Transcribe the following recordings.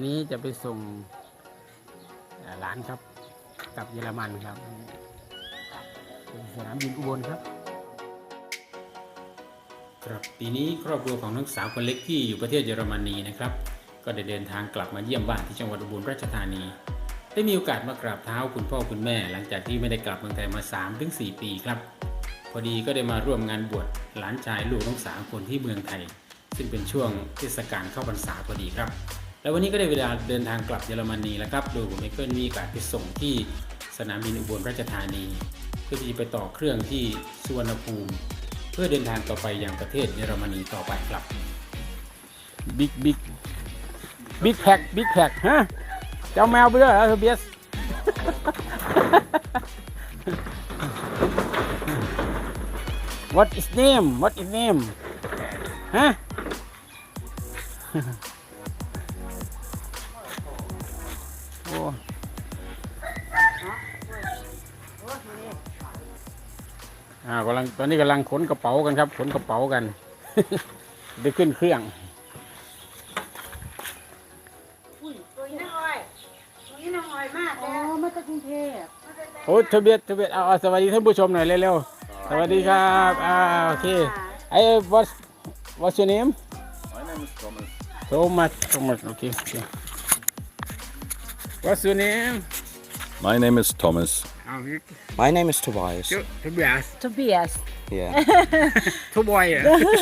นี้จะไปส่งหลานครับกลับเยอรมันครับสนามบินอุบลครับครับปีนี้ครอบครัวของนักศึกษาคนเล็กที่อยู่ประเทศเยอรมนีนะครับก็ได้เดินทางกลับมาเยี่ยมบ้านที่จังหวัดอุบลราชธานีได้มีโอกาสมากราบเท้าคุณพ่อคุณแม่หลังจากที่ไม่ได้กลับเมืองไทยมา 3-4 ปีครับพอดีก็ได้มาร่วมงานบวชหลานชายลูกทั้ง3 คนที่เมืองไทยซึ่งเป็นช่วงเทศกาลเข้าพรรษาพอดีครับแล้ววันนี้ก็ได้เวลาเดินทางกลับเยอรมนีแล้วครับโดยผมเองก็มีโอกาสไปส่งที่สนามบินอุบลราชธานีเพื่อที่จะไปต่อเครื่องที่สุวรรณภูมิเพื่อเดินทางต่อไปยังประเทศเยอรมนีต่อไปครับบิ๊กแพ็คฮะเจ้าแมวไปด้วยเหรอเบียส What is name ฮะ โอ้ตอนนี้กำลังขนกระเป๋ากันครับขนกระเป๋ากัน ได้ขึ้นเครื่องตัวนี้น้องออยมากอ๋อมาจากกรุงเทพโอ้ทะเบียนเอาสวัสดีท่านผู้ชมหน่อยเร็วๆสวัสดีครับโอเคwhat's your name My name is Thomas. Thomas okay what's your name My name is Thomas. My name is Tobias. Tobias Yeah. ทุบอยเหรอ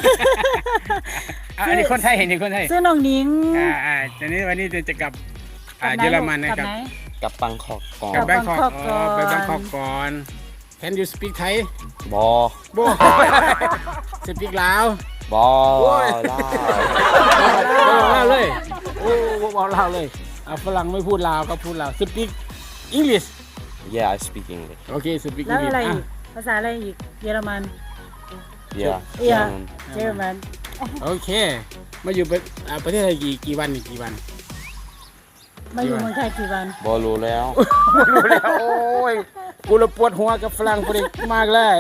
อันนี้คนไทยนี่คนไทยซื้อน้องนิ้งตอนนี้วันนี้จะกลับเยอรมันนะครับกับบังกอกก่อนกลับแบงคอกไปแบงคอกก่อน Can you speak Thai บอ speak ลาวบอลาวลาวเลยโอ้บอกลาวเลยฝรั่งไม่พูดลาวก็พูดลาว speak English Yeah I speak English โอเค speak แล้ว English อะไรอีกภาษาอะไรอีกเยอรมัน Yeah เยอรมันโอเคมาอยู่ประเทศไทยกี่วันกี่วันมาอยู่เมืองไทยกี่วันบอรู้แล้วรู้แล้วโอ้ยกูระปวดหัวกับฝรั่งพอดีมากเลย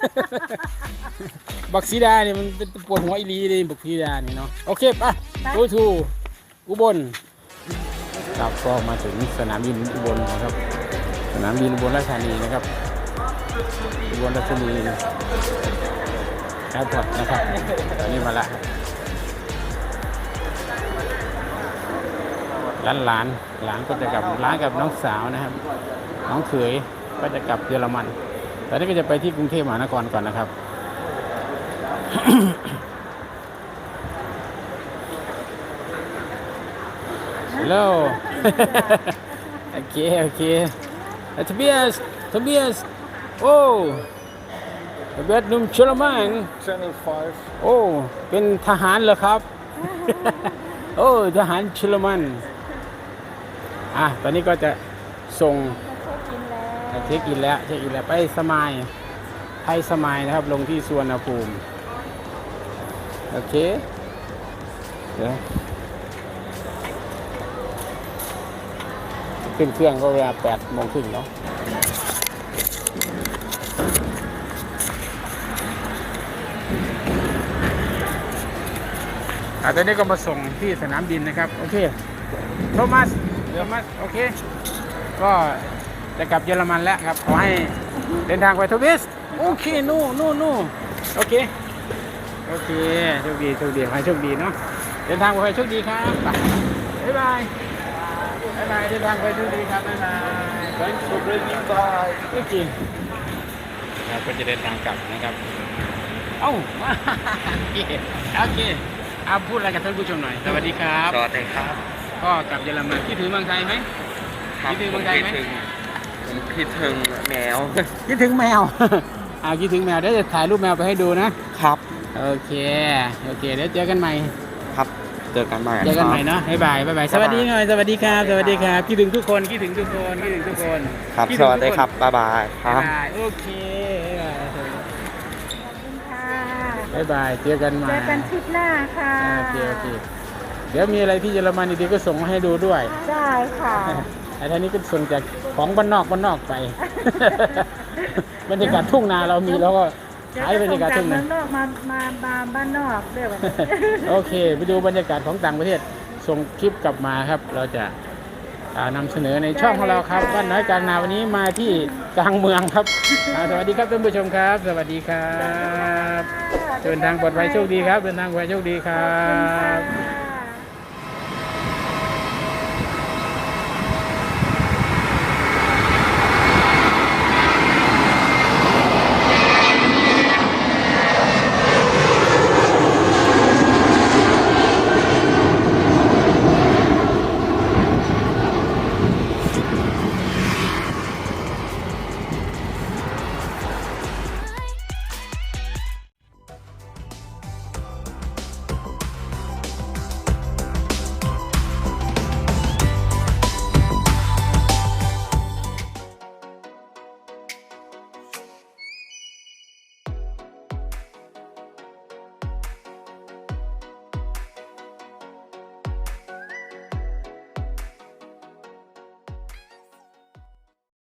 บักซีดาเนี่ยมันเป็นปวดหัวอีหลีเลยบักซีดานี่เนาะโอเคป่ะgo to อุบลครับก็มาถึงสนามบินอุบลนะครับสนามบินอุบลราชธานีนะครับอุบลราชธานีแอร์พอร์ตนะครับตอนนี้มาละหลานก็จะกลับร้านกับน้องสาวนะครับน้องเขยก็จะกลับเยอรมันตอนนี้ก็จะไปที่กรุงเทพมหานครก่อนนะครับ ฮัลโหล โอเคทะเบียสโอ้ทะเบียสหนุ่มเยอรมัน Channel 5. โอ้เป็นทหารเหรอครับ โอ้ทหารเยอรมันตอนนี้ก็จะส่งเช็คอินแล้วไปสมายไทยสมายนะครับลงที่สุวรรณภูมิโอเคเดี๋ยวขึ้นเครื่องก็เวลา 8:30 เนาะตอนนี้ก็มาส่งที่สนามบินนะครับโอเคโทมัสโอเคก็จะกลับเยอรมันแล้วครับขอให้เดินทางไปทวิสโอเคนู่โอเคโชคดีขอให้โชคดีเนาะเดินทางไปโชคดีครับบ๊ายบายเดินทางไปโชคดีครับบ๊ายบาย Thanks for bringing by. โอเคเราก็จะเดินทางกลับนะครับโอเคพูดอะไรกับท่านผู้ชมหน่อยสวัสดีครับสวัสดีครับก็กลับเยอรมันคิดถึงเมืองไทยไหมคิดถึงเมืองไทยไหมผมคิดถึงแมวคิดถึงแมว คิดถึงแมวเดี๋ยวจะถ่ายรูปแมวไปให้ดูนะครับ โอเคเดี๋ยวเจอกันใหม่ครับเจอกันใหม่เนาะบ๊ายบายสวัสดีหน่อยสวัสดีครับคิดถึงทุกคนครับคิดถึงทุกคนสวัสดีครับบ๊ายบายครับโอเคบ๊ายบายเจอกันใหม่เจอกันทริปหน้าค่ะโอเคเดี๋ยวมีอะไรที่เยอรมันดีๆก็ส่งมาให้ดูด้วยได้ค่ะไอ้ท่านี้ก็ส่งจากของบ้านนอกไป บรรยากาศทุ่งนาเรามีแล้วก็ขายบรรยากาศทุ่งนาเมืองนอกมาบ้านนอกเรียกว่าโอเคไปดูบรรยากาศของต่างประเทศส่งคลิปกลับมาครับ เราจะนำเสนอในช่องของเราครับบ้านน้อยกลางนาวันนี้มาที่กลางเมืองครับสวัสดีครับท่านผู้ชมครับ สวัสดีครับเดินทางปลอดภัยโชคดีครับเดินทางปลอดภัยโชคดีครับ